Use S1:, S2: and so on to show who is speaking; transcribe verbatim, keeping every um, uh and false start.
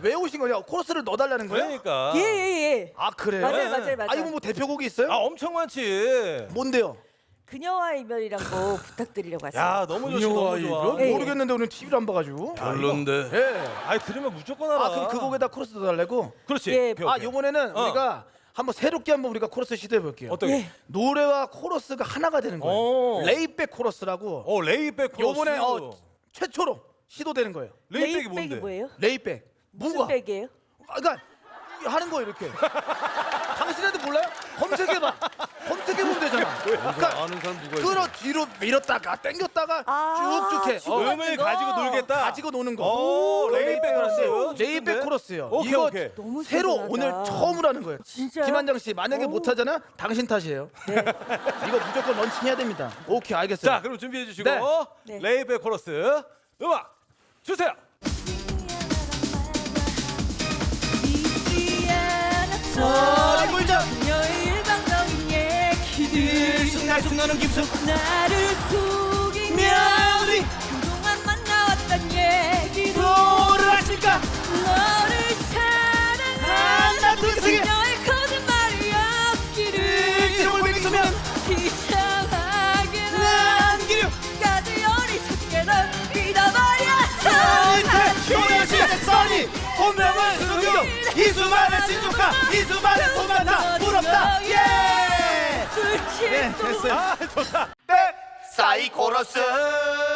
S1: 왜 오신 거냐? 코러스를 넣어달라는 거예요?
S2: 그러니까.
S3: 예예예. 예.
S1: 아 그래요?
S3: 맞아요
S2: 네.
S3: 맞아요 맞아요.
S1: 아 이거 뭐 대표곡이 있어요?
S2: 아 엄청 많지.
S1: 뭔데요?
S3: 그녀와 이별이란 거 부탁드리려고 왔어요.
S2: 야 너무 좋지 너무 좋아.
S3: 예.
S1: 모르겠는데 오늘 티비를 안 봐가지고.
S4: 별론데.
S1: 예.
S2: 아이 들으면 무조건 알아.
S1: 아 그럼 그 곡에다 코러스 넣어달라고?
S2: 그렇지.
S3: 예.
S2: 오케이,
S1: 아
S2: 오케이.
S1: 요번에는
S2: 어.
S1: 우리가 한번 새롭게 한번 우리가 코러스 시도해 볼게요.
S2: 어떻게?
S3: 예.
S1: 노래와 코러스가 하나가 되는 거예요.
S2: 오.
S1: 레이백 코러스라고.
S2: 어 레이백 코러스.
S1: 요번에 어, 최초로 시도되는 거예요.
S2: 레이백이
S3: 레이백이
S2: 뭔데?
S3: 뭐예요?
S1: 레이백.
S3: 무슨
S1: 뭐가?
S3: 백이에요?
S1: 아, 그러니까 이- 하는 거예요 이렇게. 당신한테 몰라요? 검색해봐. 검색해보면 되잖아. 그러니까
S4: 아는 사람 누가 있어?
S1: 끌어 뒤로 밀었다가 당겼다가
S3: 아,
S1: 쭉쭉 해.
S3: 쭉
S1: 어,
S3: 맞는
S2: 음을
S3: 거.
S2: 가지고 놀겠다.
S1: 가지고 노는 거.
S2: 오, 레이백 코러스.
S1: 레이백 코러스요.
S2: 오케이,
S1: 이거
S2: 오케이.
S3: 너무
S1: 새로
S3: 신선하다.
S1: 오늘 처음으로 하는 거예요.
S3: 진짜요?
S1: 김한정 씨 만약에
S3: 오.
S1: 못하잖아 당신 탓이에요.
S3: 네.
S1: 이거 무조건 런칭해야 됩니다. 오케이 알겠어요.
S2: 자 그럼 준비해 주시고
S1: 네.
S3: 네.
S2: 레이백 코러스 음악 주세요.
S3: 잊지 않았어
S1: 머리 굴죠.
S3: 그녀의 일방적인 얘기들
S1: 순간순간은 깊숙
S3: 나를 속이며
S1: 우리
S3: 그동안 만나왔던 얘기도
S1: 뭐를 하실까?
S3: 너를 사랑한다
S1: 둘, 셋.
S3: 그녀의 거짓말이 없기를
S1: 지름을 맹수면
S3: 이상하게
S1: 남기려
S3: 까지 어리석게 널 믿어버렸어
S1: 소녀시 써니 본명은 수경 이수만의 진족가 이수만의 도망다 부럽다 예! 예 됐어요.
S2: 아 좋다.
S1: 사이코러스